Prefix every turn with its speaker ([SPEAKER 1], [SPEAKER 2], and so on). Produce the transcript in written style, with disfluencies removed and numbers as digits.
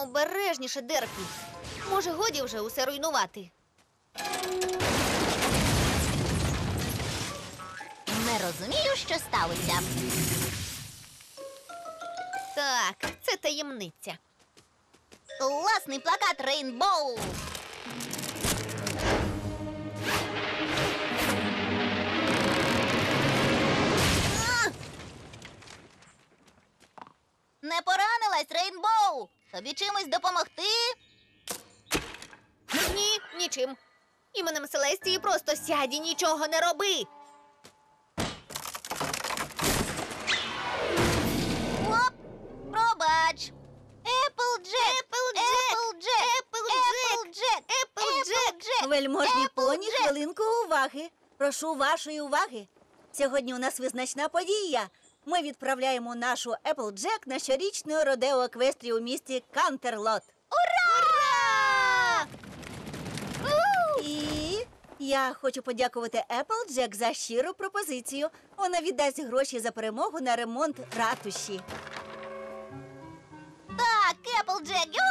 [SPEAKER 1] Обережніше, Дерпі. Може, годі вже усе руйнувати?
[SPEAKER 2] Не розумію, що сталося.
[SPEAKER 1] Так, це таємниця.
[SPEAKER 2] Класний плакат Рейнбоу. Не поранилась, Рейнбоу? Тобі чимось допомогти?
[SPEAKER 1] Ні, нічим. Іменем Селестії просто сядь і нічого не роби.
[SPEAKER 2] Оп! Пробач. Еплджек! Еплджек!
[SPEAKER 3] Вельможні поні,
[SPEAKER 2] Еплджек!
[SPEAKER 3] хвилинку уваги. Прошу вашої уваги. Сьогодні у нас визначна подія. Ми відправляємо нашу Еплджек на щорічну родео еквестрію у місті Кантерлот.
[SPEAKER 2] Ура!
[SPEAKER 3] І я хочу подякувати Еплджек за щиру пропозицію. Вона віддасть гроші за перемогу на ремонт ратуші.
[SPEAKER 2] Так, Еплджек,